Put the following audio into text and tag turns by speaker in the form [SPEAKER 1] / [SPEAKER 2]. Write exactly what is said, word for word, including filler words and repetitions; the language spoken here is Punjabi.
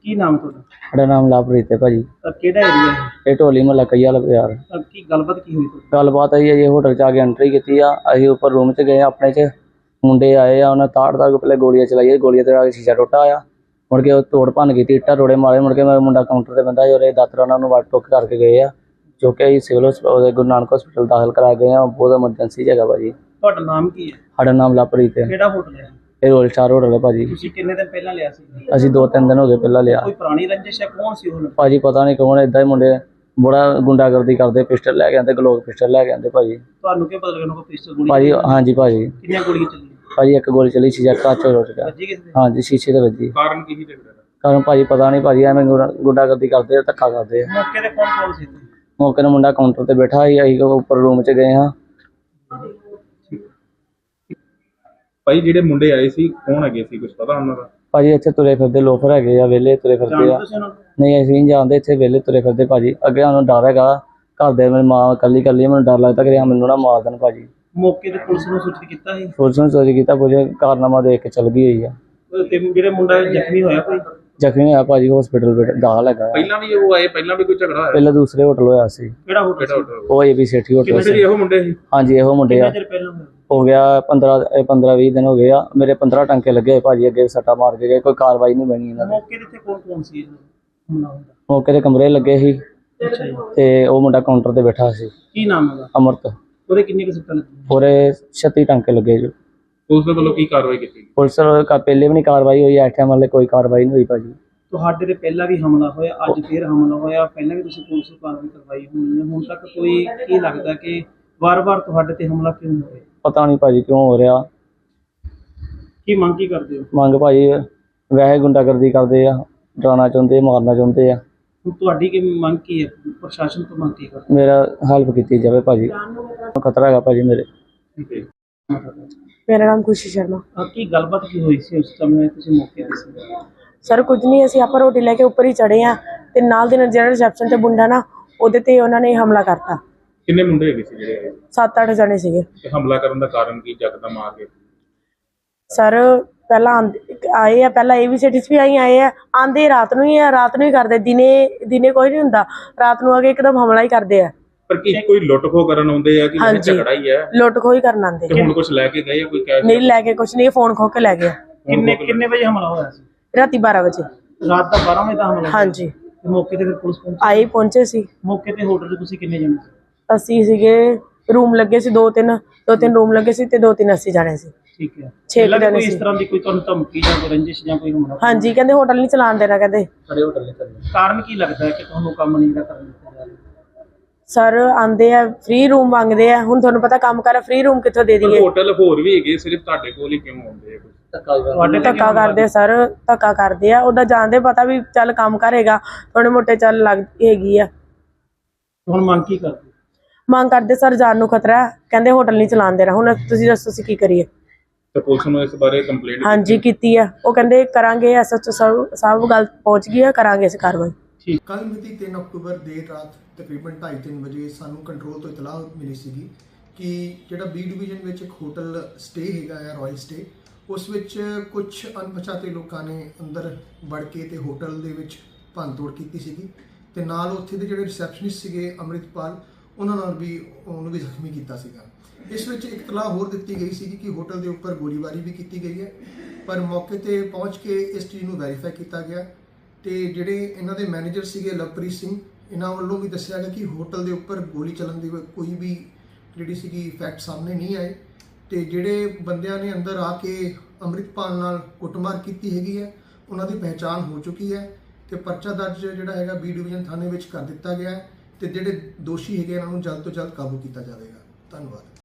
[SPEAKER 1] ਕੀ ਨਾਮ ਹੈ ਤੁਹਾਡਾ?
[SPEAKER 2] ਸਾਡਾ ਨਾਮ ਲਵਪ੍ਰੀਤ ਹੈ ਭਾਜੀ।
[SPEAKER 1] ਅਹ ਕਿਹੜਾ ਏਰੀਆ ਹੈ?
[SPEAKER 2] ਇਹ ਢੋਲੀ ਮੁਹੱਲਾ ਕਈ ਵਾਲਾ ਬਾਜ਼ਾਰ।
[SPEAKER 1] ਅਹ ਕੀ ਗੱਲਬਾਤ ਕੀ ਹੋਈ ਤੁਹਾਡੀ?
[SPEAKER 2] ਗੱਲਬਾਤ ਆਈ ਹੈ ਜੀ, ਹੋਟਲ 'ਚ ਆ ਕੇ ਐਂਟਰੀ ਕੀਤੀ ਆ। ਅਸੀਂ ਉੱਪਰ ਰੂਮ 'ਚ ਗਏ ਆਪਣੇ 'ਚ, ਮੁੰਡੇ ਆਏ ਆ, ਉਹਨਾਂ ਤਾੜ ਤਾੜ ਕੇ ਪਹਿਲੇ ਗੋਲੀਆਂ ਚਲਾਈਆਂ, ਗੋਲੀਆਂ ਤੇ ਆ ਕੇ ਸ਼ੀਸ਼ਾ ਟੁੱਟਾ ਆ। ਮੁੜ ਕੇ ਉਹ ਤੋੜ ਭੰਨ ਕੀਤੀ, ਇੱਟਾਂ ਰੋੜੇ ਮਾਰੇ। ਮੁੜ ਕੇ ਮੇਰਾ ਮੁੰਡਾ ਕਾਊਂਟਰ ਤੇ ਬੰਦਾ ਜਿਹੜੇ ਦਾਤਰ ਉਹਨਾਂ ਨੂੰ ਵੱਟ ਟੁੱਕ ਕਰਕੇ ਗਏ ਆ, ਜੋ ਕਿ ਅਸੀਂ ਸਿਵਲ ਹਸਪਤਾਲ ਗੁਰੂ ਨਾਨਕ ਹਸਪਤਾਲ ਦਾਖਲ ਕਰਾ ਗਏ ਆ। ਬਹੁਤ ਐਮਰਜੈਂਸੀ ਜਗ੍ਹਾ ਭਾਜੀ।
[SPEAKER 1] ਤੁਹਾਡਾ ਨਾਮ ਕੀ ਹੈ?
[SPEAKER 2] ਸਾਡਾ ਨਾਮ ਲਵਪ੍ਰੀਤ ਹੈ।
[SPEAKER 1] ਕਿਹੜਾ ਹੋਟਲ ਹੈ?
[SPEAKER 2] ਇਹ ਰੋਲ ਸਟਾਰ ਹੋਟਲ ਹੈ ਭਾਜੀ।
[SPEAKER 1] ਤੁਸੀਂ ਕਿੰਨੇ ਦਿਨ ਪਹਿਲਾਂ ਲਿਆ ਸੀ?
[SPEAKER 2] ਅਸੀਂ ਦੋ ਤਿੰਨ ਦਿਨ ਹੋ ਗਏ ਪਹਿਲਾਂ ਲਿਆ
[SPEAKER 1] ਕੋਈ ਪੁਰਾਣੀ ਰੰਜਿਸ਼ ਹੈ? ਕੌਣ ਸੀ ਉਹ?
[SPEAKER 2] ਭਾਜੀ ਪਤਾ ਨਹੀਂ ਕੌਣ, ਏਦਾਂ ਹੀ ਮੁੰਡੇ ਬੜਾ ਗੁੰਡਾਗਰਦੀ ਕਰਦੇ, ਪਿਸਟਲ ਲੈ ਕੇ ਆਉਂਦੇ, ਗਲੋਕ ਪਿਸਟਲ ਲੈ ਕੇ ਆਉਂਦੇ ਭਾਜੀ।
[SPEAKER 1] ਤੁਹਾਨੂੰ ਕੀ ਪਤਾ ਲੱਗਣਾ ਕੋਈ ਪਿਸਤੌਲ ਗੋਲੀ?
[SPEAKER 2] ਭਾਜੀ ਹਾਂਜੀ ਭਾਜੀ।
[SPEAKER 1] ਕਿੰਨੀਆਂ ਗੋਲੀਆਂ ਚੱਲੀਆਂ?
[SPEAKER 2] ਭਾਜੀ ਇੱਕ ਗੋਲੀ ਚਲੀ, ਸ਼ੀਸ਼ਾ ਕੱਚ ਹੋ ਗਿਆ।
[SPEAKER 1] ਵੱਜੀ ਕਿਸੇ ਦੇ?
[SPEAKER 2] ਹਾਂਜੀ ਸ਼ੀਸ਼ੇ ਤੇ ਵੱਜੀ।
[SPEAKER 1] ਕਾਰਨ ਕੀ ਸੀ ਲੱਗਦਾ?
[SPEAKER 2] ਕਾਰਨ ਭਾਜੀ ਪਤਾ ਨਹੀਂ ਭਾਜੀ, ਐਵੇਂ ਗੁੰਡਾ- ਗੁੰਡਾਗਰਦੀ ਕਰਦੇ ਆ, ਧੱਕਾ ਕਰਦੇ ਆ।
[SPEAKER 1] ਮੌਕੇ ਤੇ ਕੌਣ ਕੌਣ ਸੀ ਇੱਥੇ?
[SPEAKER 2] ਮੌਕੇ ਤੇ ਮੁੰਡਾ ਕਾਊਂਟਰ ਤੇ ਬੈਠਾ ਸੀ, ਅਸੀਂ ਉੱਪਰ ਰੂਮ 'ਚ ਗਏ ਹਾਂ।
[SPEAKER 3] ਭਾਈ ਜਿਹੜੇ ਮੁੰਡੇ ਆਏ ਸੀ ਕੌਣ ਹੈਗੇ ਸੀ, ਕੁਝ ਪਤਾ ਉਹਨਾਂ ਦਾ?
[SPEAKER 2] ਭਾਜੀ ਇੱਥੇ ਤੁਰੇ ਫਿਰਦੇ ਲੋਫਰ ਹੈਗੇ ਆ, ਵਿਹਲੇ ਤੁਰੇ ਫਿਰਦੇ ਆ।
[SPEAKER 1] ਜਾਣਦੇ ਤੁਸੀਂ ਉਹਨਾਂ ਨੂੰ?
[SPEAKER 2] ਨਹੀਂ ਅਸੀਂ ਨਹੀਂ ਜਾਣਦੇ, ਇੱਥੇ ਵਿਹਲੇ ਤੁਰੇ ਫਿਰਦੇ ਭਾਜੀ। ਅੱਗੇ ਸਾਨੂੰ ਡਰ ਹੈਗਾ, ਘਰ ਦੇ ਮੇਰੀ ਮਾਂ ਇਕੱਲੀ ਇਕੱਲੀ, ਮੈਨੂੰ ਡਰ ਲੱਗਦਾ ਕਿ ਮੈਨੂੰ ਨਾ ਮਾਰ ਦੇਣ ਭਾਜੀ।
[SPEAKER 1] ਮੌਕੇ ਤੇ ਪੁਲਿਸ ਨੂੰ ਸੂਚਿਤ ਕੀਤਾ ਸੀ?
[SPEAKER 2] ਪੁਲਿਸ ਨੂੰ ਸੋਚ ਕੀਤਾ, ਕੁਝ ਕਾਰਨਾਮਾ ਦੇਖ ਕੇ ਚੱਲ ਗਈ ਹੋਈ ਆ।
[SPEAKER 1] ਤੇ ਜਿਹੜੇ ਮੁੰਡਾ ਜ਼ਖਮੀ ਹੋਇਆ ਕੋਈ?
[SPEAKER 2] ਜ਼ਖਮੀ ਹੋਇਆ ਭਾਜੀ, ਹਸਪੀਟਲ ਦਾਖਲ ਹੈਗਾ।
[SPEAKER 3] ਪਹਿਲਾਂ ਵੀ ਉਹ ਆਏ, ਪਹਿਲਾਂ ਵੀ ਕੋਈ ਝਗੜਾ ਹੋਇਆ?
[SPEAKER 2] ਪਹਿਲਾਂ ਦੂਸਰੇ ਹੋਟਲ ਹੋਇਆ ਸੀ।
[SPEAKER 1] ਕਿਹੜਾ ਹੋਟਲ
[SPEAKER 3] ਕਿਹੜਾ
[SPEAKER 1] ਸੀ?
[SPEAKER 3] ਹੋਟਲ?
[SPEAKER 2] ਉਹ ਏ ਬੀ ਸੇਠੀ ਹੋਟਲ
[SPEAKER 3] ਕਿੰਨੇ
[SPEAKER 2] ਸੀ।
[SPEAKER 3] ਇਹੋ ਮੁੰਡੇ ਸੀ?
[SPEAKER 2] ਹਾਂਜੀ ਇਹੋ ਮੁੰਡੇ ਆ।
[SPEAKER 1] ਕਿੰਨੇ ਚਿਰ ਪਹਿਲਾਂ ਹੋਇਆ?
[SPEAKER 2] ਹੋ ਗਿਆ ਪੰਦਰਾਂ ਪੰਦਰਾਂ ਵੀਹ ਦਿਨ ਹੋ ਗਏ ਆ। ਮੇਰੇ ਪੰਦਰਾਂ ਟੰਕੇ ਲੱਗੇ ਹੋਏ ਭਾਜੀ, ਅੱਗੇ ਸੱਟਾ ਮਾਰ ਕੇ ਗਏ, ਕੋਈ ਕਾਰਵਾਈ ਨਹੀਂ ਬਣੀ ਇਹਨਾਂ ਦੀ।
[SPEAKER 1] ਮੌਕੇ ਤੇ ਇੱਥੇ ਕੌਣ ਕੌਣ ਸੀ ਹਮਲਾ ਹੁੰਦਾ?
[SPEAKER 2] ਮੌਕੇ ਤੇ ਕਮਰੇ ਲੱਗੇ ਸੀ
[SPEAKER 1] ਅੱਛਾ ਜੀ।
[SPEAKER 2] ਤੇ ਉਹ ਮੁੰਡਾ ਕਾਊਂਟਰ ਤੇ ਬੈਠਾ ਸੀ,
[SPEAKER 1] ਕੀ ਨਾਮ ਹੈਗਾ?
[SPEAKER 2] ਅਮਰਤ।
[SPEAKER 1] ਉਹਦੇ ਕਿੰਨੇ ਕੁ ਸੱਟਾਂ ਲੱਗੀਆਂ?
[SPEAKER 2] ਪੂਰੇ ਛੱਤੀ ਟੰਕੇ ਲੱਗੇ ਜੀ।
[SPEAKER 3] ਉਸ ਦੇ ਵੱਲੋਂ ਕੀ ਕਾਰਵਾਈ ਕੀਤੀ?
[SPEAKER 2] ਪੁਲਿਸ ਵੱਲੋਂ ਕਾ ਪਹਿਲੇ ਵੀ ਨਹੀਂ ਕਾਰਵਾਈ ਹੋਈ, ਇਸ ਟਾਈਮ ਵਾਲੇ ਕੋਈ ਕਾਰਵਾਈ ਨਹੀਂ ਹੋਈ ਭਾਜੀ।
[SPEAKER 1] ਤੁਹਾਡੇ ਤੇ ਪਹਿਲਾਂ ਵੀ ਹਮਲਾ ਹੋਇਆ, ਅੱਜ ਫੇਰ ਹਮਲਾ ਹੋਇਆ, ਪਹਿਲਾਂ ਵੀ ਤੁਸੀਂ ਪੁਲਿਸ ਨੂੰ ਕਾਰਵਾਈ ਕਰਵਾਈ ਹੋਣੀ ਹੈ, ਹੁਣ ਤੱਕ ਕੋਈ ਕੀ ਲੱਗਦਾ ਕਿ ਵਾਰ-ਵਾਰ ਤੁਹਾਡੇ ਤੇ ਹਮਲਾ ਕਿਉਂ ਹੋ ਰਿਹਾ?
[SPEAKER 2] ਪਤਾ ਨਹੀਂ ਭਾਜੀ ਕਿਉਂ ਹੋ ਰਿਹਾ।
[SPEAKER 1] ਕੀ ਮੰਗ ਕੀ ਕਰਦੇ ਹੋ?
[SPEAKER 2] ਮੰਗ ਭਾਜੀ ਵੈਸੇ ਗੁੰਡਾਗਰਦੀ ਕਰਦੇ ਆ, ਡਰਾਉਣਾ ਚਾਹੁੰਦੇ, ਮਾਰਨਾ ਚਾਹੁੰਦੇ ਆ।
[SPEAKER 1] ਹੁਣ ਤੁਹਾਡੀ ਕੀ ਮੰਗ ਕੀ ਹੈ? ਪ੍ਰਸ਼ਾਸਨ ਤੋਂ ਮੰਗ ਕੀ ਕਰਦੇ?
[SPEAKER 2] ਮੇਰਾ ਹੈਲਪ ਕੀਤੀ ਜਾਵੇ ਭਾਜੀ, ਖਤਰਾ ਹੈਗਾ ਭਾਜੀ ਮੇਰੇ।
[SPEAKER 1] ਠੀਕ ਹੈ।
[SPEAKER 4] ਮੇਰਾ ਨਾਮ ਖੁਸ਼ੀ ਸ਼ਰਮਾ।
[SPEAKER 1] ਆ ਕੀ ਗੱਲਬਾਤ ਕੀ ਹੋਈ ਸੀ ਉਸ ਸਮੇਂ ਤੁਸੀਂ ਮੌਕੇ ਤੇ ਸੀ?
[SPEAKER 4] ਸਰ ਕੁਝ ਨਹੀਂ, ਅਸੀਂ ਆਪਾਂ ਰੋਟੀ ਲੈ ਕੇ ਉੱਪਰ ਹੀ ਚੜੇ ਆ ਤੇ ਨਾਲ ਦੇ ਨਾਲ ਜਿਹੜਾ ਰਿਸੈਪਸ਼ਨ ਤੇ ਮੁੰਡਾ ਨਾ, ਉਹਦੇ ਤੇ ਉਹਨਾਂ ਨੇ ਹਮਲਾ ਕਰਤਾ।
[SPEAKER 3] ਕਿੰਨੇ ਮੁੰਡੇ ਹੈਗੇ ਸੀ ਜਿਹੜੇ ਆਏ?
[SPEAKER 4] ਸੱਤ ਅੱਠ ਜਣੇ ਸੀਗੇ।
[SPEAKER 3] ਤੇ ਹਮਲਾ ਕਰਨ ਦਾ ਕਾਰਨ ਕੀ, ਯਕਦਮ ਆ ਕੇ?
[SPEAKER 4] ਸਰ ਪਹਿਲਾਂ ਆਂਦੇ- ਆਏ ਆ, ਪਹਿਲਾਂ ਏ ਵੀ ਸਿਟੀ 'ਚ ਵੀ ਆਈ ਆਏ ਆ, ਆਂਦੇ ਰਾਤ ਨੂੰ ਹੀ ਆ, ਰਾਤ ਨੂੰ ਹੀ ਕਰਦੇ, ਦਿਨੇ ਦਿਨੇ ਕੋਈ ਨਹੀਂ ਹੁੰਦਾ, ਰਾਤ ਨੂੰ ਆ ਕੇ ਇੱਕਦਮ ਹਮਲਾ ਹੀ ਕਰਦੇ ਆ।
[SPEAKER 3] ਪਰ ਕੀ ਕੋਈ ਲੁੱਟ ਖੋ ਕਰਨ ਆਉਂਦੇ ਆ ਕਿ ਇਹ
[SPEAKER 4] ਹਾਂਜੀ।
[SPEAKER 3] ਝਗੜਾ ਹੀ ਹੈ?
[SPEAKER 4] ਲੁੱਟ ਖੋਹ ਹੀ ਕਰਨ ਆਂਦੇ।
[SPEAKER 3] ਤੇ ਹੁਣ ਕੁਝ ਲੈ ਕੇ ਗਏ ਆ, ਕੋਈ ਕੈਸ਼?
[SPEAKER 4] ਨਹੀਂ ਲੈ ਕੇ ਕੁਝ ਨਹੀਂ, ਫੋਨ ਖੋ ਕੇ ਲੈ ਗਏ।
[SPEAKER 1] ਕਿੰਨੇ ਕਿੰਨੇ ਵਜੇ ਹਮਲਾ ਹੋਇਆ ਸੀ?
[SPEAKER 4] ਰਾਤੀ ਬਾਰਾਂ ਵਜੇ।
[SPEAKER 1] ਰਾਤ ਦਾ ਬਾਰਾਂ ਵਜੇ ਦਾ ਹਮਲਾ ਹੋਇਆ?
[SPEAKER 4] ਹਾਂਜੀ
[SPEAKER 1] ਤੇ ਮੌਕੇ ਤੇ ਫਿਰ ਪੁਲਿਸ ਪਹੁੰਚੀ?
[SPEAKER 4] ਆਏ ਪਹੁੰਚੇ ਸੀ।
[SPEAKER 1] ਮੌਕੇ ਤੇ ਹੋਟਲ 'ਚ ਤੁਸੀਂ ਕਿੰਨੇ ਜਣੇ ਸੀ?
[SPEAKER 4] ਅਸੀਂ ਸੀਗੇ, ਰੂਮ ਲੱਗੇ ਸੀ ਦੋ ਤਿੰਨ ਦੋ ਤਿੰਨ ਰੂਮ ਲੱਗੇ ਸੀ ਤੇ ਦੋ ਤਿੰਨ ਅਸੀਂ ਜਾਣੇ ਸੀ।
[SPEAKER 1] ਠੀਕ ਹੈ।
[SPEAKER 4] ਛੇ
[SPEAKER 1] ਪਹਿਲਾਂ ਵੀ
[SPEAKER 4] ਜਣੇ
[SPEAKER 1] ਕੋਈ ਇਸ
[SPEAKER 4] ਸੀ।
[SPEAKER 1] ਤਰ੍ਹਾਂ ਦੀ ਕੋਈ ਤੁਹਾਨੂੰ ਧਮਕੀ ਜਾਂ ਕੋਈ ਰੰਜਿਸ਼ ਜਾਂ ਕੋਈ ਹਮਲਾ?
[SPEAKER 4] ਹਾਂਜੀ ਕਹਿੰਦੇ ਹੋਟਲ ਨਹੀਂ ਚਲਾਉਣ ਦੇਣਾ, ਕਹਿੰਦੇ
[SPEAKER 2] ਸਾਡੇ ਹੋਟਲ ਨੇ ਚੱਲੇ।
[SPEAKER 1] ਕਾਰਨ ਕੀ ਲੱਗਦਾ ਹੈ ਕਿ ਤੁਹਾਨੂੰ ਕੰਮ ਨਹੀਂ ਜਿਹੜਾ ਕਰਨ ਦਿੱਤਾ ਜਾ ਰਿਹਾ?
[SPEAKER 4] ਸਰ ਆਂਦੇ ਆ, ਫ੍ਰੀ ਰੂਮ ਮੰਗਦੇ ਆ। ਹੁਣ ਤੁਹਾਨੂੰ ਪਤਾ ਕੰਮ ਕਰ, ਫ੍ਰੀ ਰੂਮ ਕਿੱਥੋਂ ਦੇ ਦਈਏ?
[SPEAKER 3] ਹੋਟਲ ਹੋਰ ਵੀ ਹੈਗੇ, ਸਿਰਫ ਤੁਹਾਡੇ ਕੋਲ ਹੀ ਕਿਉਂ ਆਉਂਦੇ ਆ?
[SPEAKER 1] ਤੁਹਾਡੇ ਤੇ
[SPEAKER 4] ਧੱਕਾ ਕਰਦੇ ਆ ਸਰ, ਧੱਕਾ ਕਰਦੇ ਆ। ਉਹਦਾ ਜਾਣਦੇ ਪਤਾ ਵੀ ਚੱਲ ਕੰਮ ਕਰੇਗਾ, ਥੋੜੇ ਮੋਟੇ ਚੱਲ ਲੱਗ ਹੈਗੀ ਆ।
[SPEAKER 1] ਹੁਣ ਮੰਗ ਕੀ ਕਰਦੇ?
[SPEAKER 4] ਮੰਗ ਕਰਦੇ ਸਰ, ਜਾਨ ਨੂੰ ਖਤਰਾ ਹੈ, ਕਹਿੰਦੇ ਹੋਟਲ ਨਹੀਂ ਚਲਾਉਣ ਦੇਣਾ। ਹੁਣ ਤੁਸੀਂ ਦੱਸੋ ਅਸੀਂ ਕੀ ਕਰੀਏ?
[SPEAKER 3] ਤੇ ਪੁਲਿਸ ਨੂੰ ਇਸ ਬਾਰੇ ਕੰਪਲੇਂਟ?
[SPEAKER 4] ਹਾਂਜੀ ਕੀਤੀ ਆ, ਉਹ ਕਹਿੰਦੇ ਕਰਾਂਗੇ, ਐਸ ਐਚ ਓ ਸਾਹਿਬ ਸਾਹਿਬ ਗੱਲ ਪਹੁੰਚ ਗਈ ਆ, ਕਰਾਂਗੇ ਅਸੀਂ ਕਾਰਵਾਈ।
[SPEAKER 5] ਕੱਲ੍ਹ ਮਿਤੀ ਤਿੰਨ ਅਕਤੂਬਰ ਦੇਰ ਰਾਤ ਤਕਰੀਬਨ ਢਾਈ ਤਿੰਨ ਵਜੇ ਸਾਨੂੰ ਕੰਟਰੋਲ ਤੋਂ ਇਤਲਾਹ ਮਿਲੀ ਸੀਗੀ ਕਿ ਜਿਹੜਾ ਬੀ ਡਿਵੀਜ਼ਨ ਵਿੱਚ ਇੱਕ ਹੋਟਲ ਸਟੇ ਹੈਗਾ ਆ, ਰਾਇਲ ਸਟੇ, ਉਸ ਵਿੱਚ ਕੁਝ ਅਣਪਛਾਤੇ ਲੋਕਾਂ ਨੇ ਅੰਦਰ ਵੜ ਕੇ ਤੇ ਹੋਟਲ ਦੇ ਵਿੱਚ ਭੰਨਤੋੜ ਕੀਤੀ ਸੀਗੀ ਤੇ ਨਾਲ ਉੱਥੇ ਦੇ ਜਿਹੜੇ ਰਿਸੈਪਸ਼ਨਿਸਟ ਸੀਗੇ ਅੰਮ੍ਰਿਤਪਾਲ, ਉਹਨਾਂ ਨਾਲ ਵੀ ਉਹਨੂੰ ਵੀ ਜ਼ਖਮੀ ਕੀਤਾ ਸੀਗਾ। ਇਸ ਵਿੱਚ ਇੱਕ ਇਤਲਾਹ ਹੋਰ ਦਿੱਤੀ ਗਈ ਸੀ ਕਿ ਹੋਟਲ ਦੇ ਉੱਪਰ ਗੋਲੀਬਾਰੀ ਵੀ ਕੀਤੀ ਗਈ ਹੈ, ਪਰ ਮੌਕੇ ਤੇ ਪਹੁੰਚ ਕੇ ਇਸ ਚੀਜ਼ ਨੂੰ ਵੈਰੀਫਾਈ ਕੀਤਾ ਗਿਆ ਤੇ ਜਿਹੜੇ ਇਹਨਾਂ ਦੇ ਮੈਨੇਜਰ ਸੀਗੇ ਲਵਪ੍ਰੀਤ ਸਿੰਘ, ਇਹਨਾਂ ਵੱਲੋਂ ਵੀ ਦੱਸਿਆ ਗਿਆ ਕਿ ਹੋਟਲ ਦੇ ਉੱਪਰ ਗੋਲੀ ਚੱਲਣ ਦੀ ਕੋਈ ਵੀ ਜਿਹੜੀ ਸੀਗੀ ਫੈਕਟ ਸਾਹਮਣੇ ਨਹੀਂ ਆਏ ਤੇ ਜਿਹੜੇ ਬੰਦਿਆਂ ਨੇ ਅੰਦਰ ਆ ਕੇ ਅੰਮ੍ਰਿਤਪਾਲ ਨਾਲ ਕੁੱਟਮਾਰ ਕੀਤੀ ਹੈਗੀ ਹੈ, ਉਹਨਾਂ ਦੀ ਪਹਿਚਾਣ ਹੋ ਚੁੱਕੀ ਹੈ ਤੇ ਪਰਚਾ ਦਰਜ ਜਿਹੜਾ ਹੈਗਾ ਬੀ ਡਿਵੀਜ਼ਨ ਥਾਣੇ ਵਿੱਚ ਕਰ ਦਿੱਤਾ ਗਿਆ ਹੈ ਤੇ ਜਿਹੜੇ ਦੋਸ਼ੀ ਹੈਗੇ ਇਹਨਾਂ ਨੂੰ ਜਲਦ ਤੋਂ ਜਲਦ ਕਾਬੂ ਕੀਤਾ ਜਾਵੇਗਾ। ਧੰਨਵਾਦ।